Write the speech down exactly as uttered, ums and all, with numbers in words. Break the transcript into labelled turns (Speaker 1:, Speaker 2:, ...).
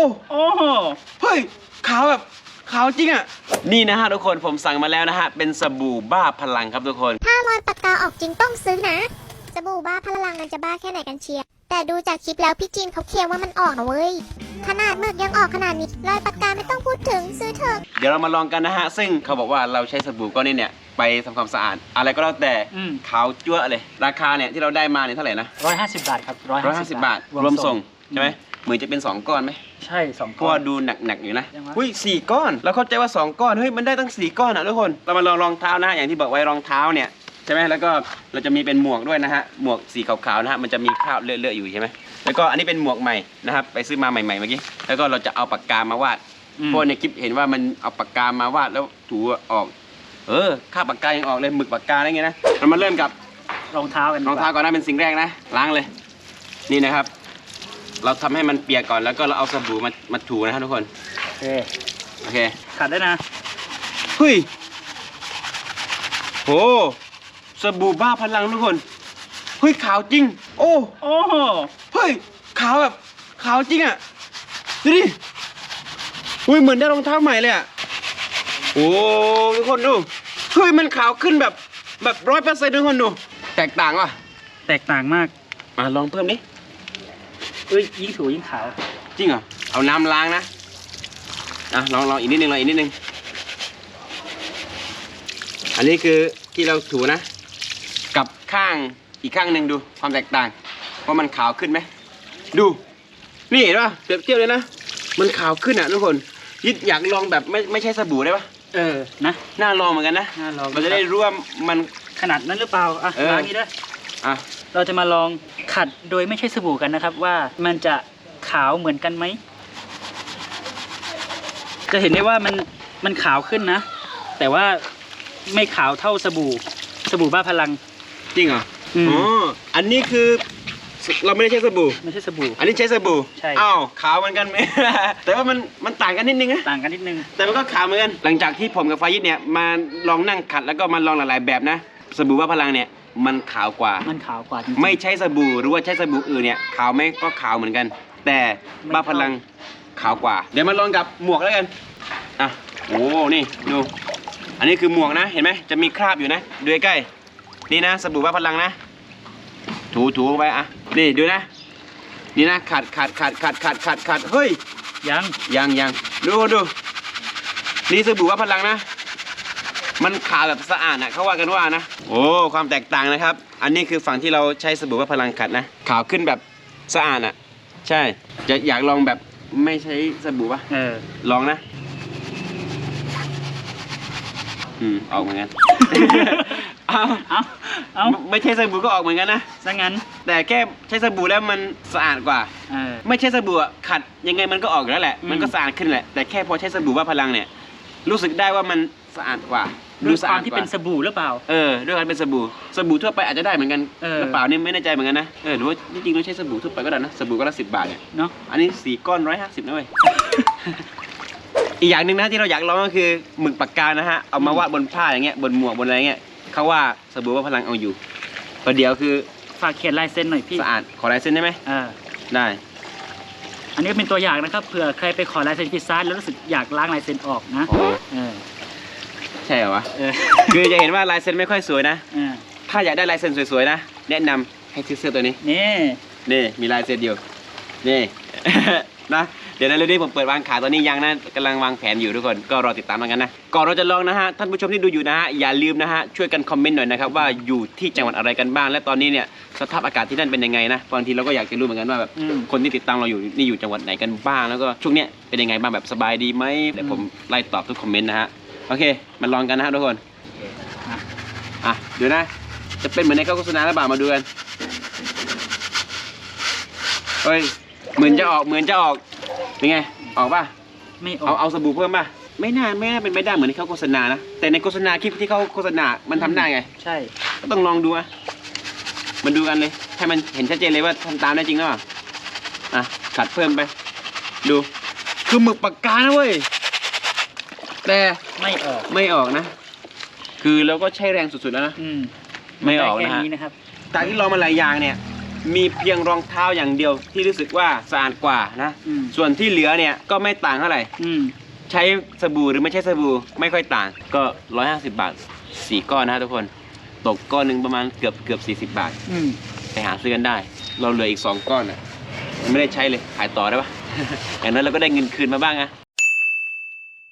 Speaker 1: โอ้เฮ้ยขาวแบบขาวจริงอ่ะนี่นะฮะทุกคนผมสั่งมาแล้วนะฮะเป็นสบู่บ้าพลังครับทุกคน
Speaker 2: ถ้ารอยปากกาออกจริงต้องซื้อนะสบู่บ้าพลังมันจะบ้าแค่ไหนกันเชียร์แต่ดูจากคลิปแล้วพี่จีนเขาเคลียร์ว่ามันออกนะเว้ยขนาดหมึกยังออกขนาดนี้รอยปากกาไม่ต้องพูดถึงซื้อเถอะ
Speaker 1: เดี๋ยวเรามาลองกันนะฮะซึ่งเขาบอกว่าเราใช้สบู่ก้อนนี้เนี่ยไปทำความสะอาดอะไรก็แล้วแต่ขาวจั๊วเลยราคาเนี่ยที่เราได้มาเนี่ยเท่าไหร่นะ
Speaker 3: ร้อยห้าสิบบาทครับ
Speaker 1: ร้อยห้าสิบบาทรวมส่งใช่ไหมเหมือนจะเป็นสองก้อนไหม
Speaker 3: ใช่สองก้อน
Speaker 1: เพราะว่าดูหนักๆอยู่นะหุ้ยสี่ก้อนเราเข้าใจว่าสองก้อนเฮ้ยมันได้ตั้งสี่ก้อนอ่ะทุกคนเรามาลองรองเท้านะอย่างที่บอกไว้รองเท้าเนี่ยใช่ไหมแล้วก็เราจะมีเป็นหมวกด้วยนะฮะหมวกสีขาวๆนะฮะมันจะมีคราบเลอะๆอยู่ใช่ไหมแล้วก็อันนี้เป็นหมวกใหม่นะครับไปซื้อมาใหม่ๆเมื่อกี้แล้วก็เราจะเอาปากกามาวาดเพราะในคลิปเห็นว่ามันเอาปากกามาวาดแล้วถูออกเออคราบปากกายังออกเลยหมึกปากกาอะไรเงี้ยนะเรามาเริ่มกับ
Speaker 3: รองเท้ากัน
Speaker 1: รองเท้าก่อนนะเป็นสิ่งแรกนะล้างเลยนี่นะครับเราทำให้มันเปียกก่อนแล้วก็เราเอาสบู่มามาถูนะครับทุกคน
Speaker 3: โอเค
Speaker 1: โอเค
Speaker 3: ขัดได้นะ
Speaker 1: เฮ้ยโหสบู่บ้าพลังทุกคนเฮ้ยขาวจริงโอ้
Speaker 3: โอ้
Speaker 1: เฮ้ยขาวแบบขาวจริงอ่ะดูดิเฮ้ยเหมือนได้รองเท้าใหม่เลยอ่ะโอ้ทุกคนดูเฮ้ยมันขาวขึ้นแบบแบบร้อยเปอร์เซ็นต์ทุกคนดูแตกต่างว่ะ
Speaker 3: แตกต่างมาก
Speaker 1: มาลองเพิ่มดิ
Speaker 3: เอ้ยยิ่งถูยิ่งขาว
Speaker 1: จริงเหรอเอาน้ำล้างนะอ่ะลองลองอีกนิดนึงลองอีกนิดนึงอันนี้คือที่เราถูนะกับข้างอีกข้างหนึ่งดูความแตกต่างว่ามันขาวขึ้นไหมดูนี่เห็นป่ะเปรียบเทียบเลยนะมันขาวขึ้นอ่ะทุกคนยิดอยากลองแบบไม่ไม่ใช่สบู่ได้ป่ะ
Speaker 3: เออนะ
Speaker 1: น่าลองเหมือนกันนะ
Speaker 3: น่าลอง
Speaker 1: เราจะได้รู้ว่ามัน
Speaker 3: ขนาดนั้นหรือเปล่าอ่ะล้างนี้ด้วย
Speaker 1: อ่ะ
Speaker 3: เราจะมาลองขัดโดยไม่ใช่สบู่กันนะครับว่ามันจะขาวเหมือนกันไหมจะเห็นได้ว่ามันมันขาวขึ้นนะแต่ว่าไม่ขาวเท่าสบู่สบู่บ้าพลัง
Speaker 1: จริงเหรออ๋ออันนี้คือเราไม่ได้ใช้สบู่
Speaker 3: ไม่ใช่สบู่
Speaker 1: อันนี้ใช้สบู่
Speaker 3: ใช่
Speaker 1: อ้าวขาวเหมือนกันไหม แต่ว่ามันมันต่างกันนิดนึงนะ
Speaker 3: ต่างกันนิดนึง
Speaker 1: แต่มันก็ขาวเหมือนกันหลังจากที่ผมกับฟายิดเนี่ยมาลองนั่งขัดแล้วก็มาลองหลายๆแบบนะสบู่บ้าพลังเนี่ยมันขาวกว่า
Speaker 3: มันขาวกว่า
Speaker 1: ไม่ใช่สบู่หรือว่าใช้สบู่อื่นเนี่ยขาวไหมก็ขาวเหมือนกันแต่บ้าพลังขาวกว่าเดี๋ยวมาลองกับหมวกแล้วกันอ่ะโอ้นี่ดูอันนี้คือหมวกนะเห็นไหมจะมีคราบอยู่นะดูใกล้ๆนี่นะสบู่บ้าพลังนะถูถูไปอ่ะนี่ดูนะนี่นะขัดขัดขัดขัดขัดขัดขัดเฮ้ย
Speaker 3: ยัง
Speaker 1: ยังยังดูดูนี่สบู่บ้าพลังนะมันขาวแบบสะอาดนะเขาว่ากันว่านะโอ้ความแตกต่างนะครับอันนี้คือฝั่งที่เราใช้สบู่บ้าพลังขัดนะขาวขึ้นแบบสะอาดอ่ะใช่จะอยากลองแบบไม่ใช้สบู่ป่ะ
Speaker 3: เออ
Speaker 1: ลองนะอืมออกเหมือนกันเอา
Speaker 3: เอาเอา
Speaker 1: ไม่ใช่สบู่ก็ออกเหมือนกันนะ
Speaker 3: ซะงั้น
Speaker 1: แต่แค่ใช้สบู่แล้วมันสะอาดกว่า
Speaker 3: เออ
Speaker 1: ไม่ใช่สบู่ขัดยังไงมันก็ออกอยู่แล้วแหละมันก็สะอาดขึ้นแหละแต่แค่พอใช้สบู่บ้าพลังเนี่ยรู้สึกได้ว่ามันสะอาดกว่า
Speaker 3: ดูสะอาดที่เป็นสบู่หรือเปล่า
Speaker 1: เออด้วยการเป็นสบู่สบู่ทั่วไปอาจจะได้เหมือนกันหรือเปล่านี่ไม่แน่ใจเหมือนกันนะเออหรือว่าจริงๆเราใช้สบู่ทั่วไปก็ได้นะสบู่ก็ละสิบบาทเนี่ย
Speaker 3: เนาะ
Speaker 1: อันนี้สี่ก้อนร้อยห้าสิบนะเว้ย อีกอย่างหนึ่งนะที่เราอยากลองก็คือหมึกปากกานะฮะเอามาวาดบนผ้าอย่างเงี้ยบนหมวกบนอะไรเงี้ยเขาว่าสบู่ว่าพลังเอาอยู่ประเดี๋ยวคือ
Speaker 3: ฝากเขียนลายเซ็นหน่อยพี่
Speaker 1: สะอาดขอลายเซ็นได้ไหม
Speaker 3: อ่า
Speaker 1: ได้
Speaker 3: อันนี้ก็เป็นตัวอย่างนะครับเผื่อใครไปขอลายเซ็นพิซซ่าแล้วรู้สึกอยากล้างลายเซ็นออกนะเออ
Speaker 1: ใช่เหรอวะคือจะเห็นว่าลายเซ็นไม่ค่อยสวยนะถ้าอยากได้ลายเซ็นสวยๆนะแนะนำให้ซื้อเสื้อตัวนี้
Speaker 3: นี่
Speaker 1: นี่มีลายเซ็นอยู่นี่นะเดี๋ยวในเรื่องนี้ผมเปิดวางขายตอนนี้ยังนะกำลังวางแผนอยู่ทุกคนก็รอติดตามกันนะก่อนเราจะลองนะฮะท่านผู้ชมที่ดูอยู่นะฮะอย่าลืมนะฮะช่วยกันคอมเมนต์หน่อยนะครับว่าอยู่ที่จังหวัดอะไรกันบ้างและตอนนี้เนี่ยสภาพอากาศที่นั่นเป็นยังไงนะบางทีเราก็อยากจะรู้เหมือนกันว่าแบบคนที่ติดตามเราอยู่นี่อยู่จังหวัดไหนกันบ้างแล้วก็ช่วงเนี้ยเป็นยังไงบ้างแบบสบายดีไหมเดี๋ยวผมไล่ตอบทุกคอมเมนต์นะฮะโอเคมาลองกันนะฮะทุกคนอ่ะเดี๋ยวนะจะเป็นเหมือนในโฆษณาหรือเปล่ามาดูกันเฮ้ยเหมือนจะออกเหมือนจะออกเป็นไงออกป่ะ
Speaker 3: ไม่ออก
Speaker 1: เอาเอาสบู่เพิ่มป่ะไม่น่าไม่น่าเป็นไม่ได้เหมือนที่เขาโฆษณานะแต่ในโฆษณาคลิปที่เขาโฆษณามันทำได้ไง
Speaker 3: ใช่
Speaker 1: ก็ต้องลองดูอ่ะมันดูกันเลยให้มันเห็นชัดเจนเลยว่าทำตามได้จริงหรือเปล่าอ่ะขัดเพิ่มไปดูคือหมึกปากกานะเว้ยแต่
Speaker 3: ไม่ออก
Speaker 1: ไม่ออกนะคือเราก็ใช้แรงสุดๆแล้วนะ
Speaker 3: อืม
Speaker 1: ไม่ออกนะฮะ
Speaker 3: นะครับ
Speaker 1: จากที่ลองมาหลายอย่างเนี่ยมีเพียงรองเท้าอย่างเดียวที่รู้สึกว่าสะอาดกว่านะ
Speaker 3: อืม
Speaker 1: ส่วนที่เหลือเนี่ยก็ไม่ต่างเท่าไหร่
Speaker 3: อืม
Speaker 1: ใช้สบู่หรือไม่ใช้สบู่ไม่ค่อยต่าง ก็ร้อยห้าสิบบาทสี่ก้อนนะทุกคนตกก้อนหนึ่งประมาณเกือบเกือบสี่สิบบาท
Speaker 3: อืม
Speaker 1: ไปหาซื้อกันได้ เราเหลืออีกสองก้อนอ่ะยังไม่ได้ใช้เลยขายต่อได้ปะ อย่างนั้นเราก็ได้เงินคืนมาบ้างอะ